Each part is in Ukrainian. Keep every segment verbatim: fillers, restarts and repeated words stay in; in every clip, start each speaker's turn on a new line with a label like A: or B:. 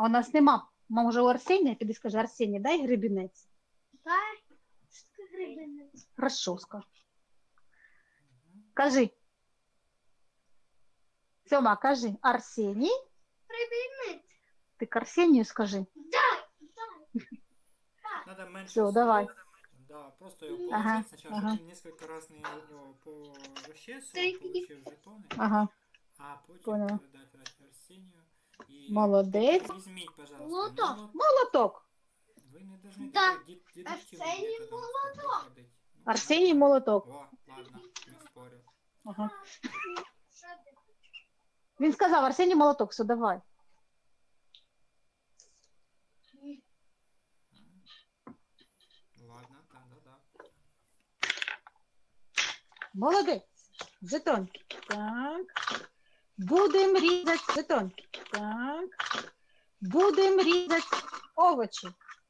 A: у нас нема. Може у Арсенія? Піди скажи, Арсеній, дай гребінець.
B: Дай. Що таке гребінець?
A: Хорошо, скажи. Кажи. Сьома, кажи. Арсеній.
B: Гребінець.
A: Ти к Арсенію скажи.
B: Дай. Дай.
C: Надо меньше
A: Все,
C: слов.
A: давай.
C: Да, просто его
A: Ага,
C: положить сначала,
A: ага.
C: чтобы он несколько раз на его порасчесывал, получил жетоны,
A: Ага,
C: а потім
A: поняла.
C: передать Арсенію. І
A: Молодець.
C: візьміть, пожалуйста,
B: Молоток.
C: молот.
A: Молоток.
C: Ви не должны
B: Да.
C: такой дед- дедуктивным
B: Арсеній
C: методом
B: молоток.
C: ходить. Ну,
A: Арсеній
C: нормально.
A: молоток.
C: О, ладно, не спорю.
A: Ага.
B: Що ти?
A: Він сказав, Арсеній молоток, все, давай.
C: Ладно, да, да, да.
A: Молодець. Жетон. Так. Будемо різати жетон. Так. Будемо різати овочі.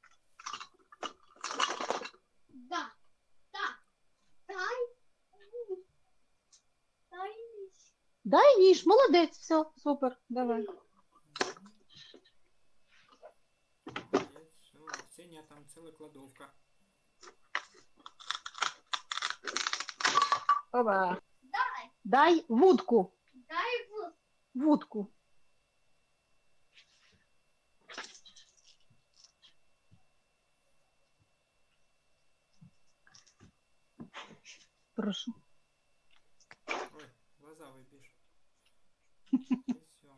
B: Да. Да. Дай. Дай.
A: Дай ніж, молодець, все, супер, давай.
C: Молодец, все. Арсения там целая кладовка.
A: Опа.
B: Дай.
A: Дай вудку.
B: Дай вот.
A: Вудку. Прошу.
C: Ой, глаза выбьешь. Все.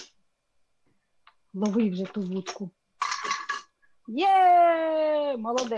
A: Лови вже ту вудку. Є, молодець.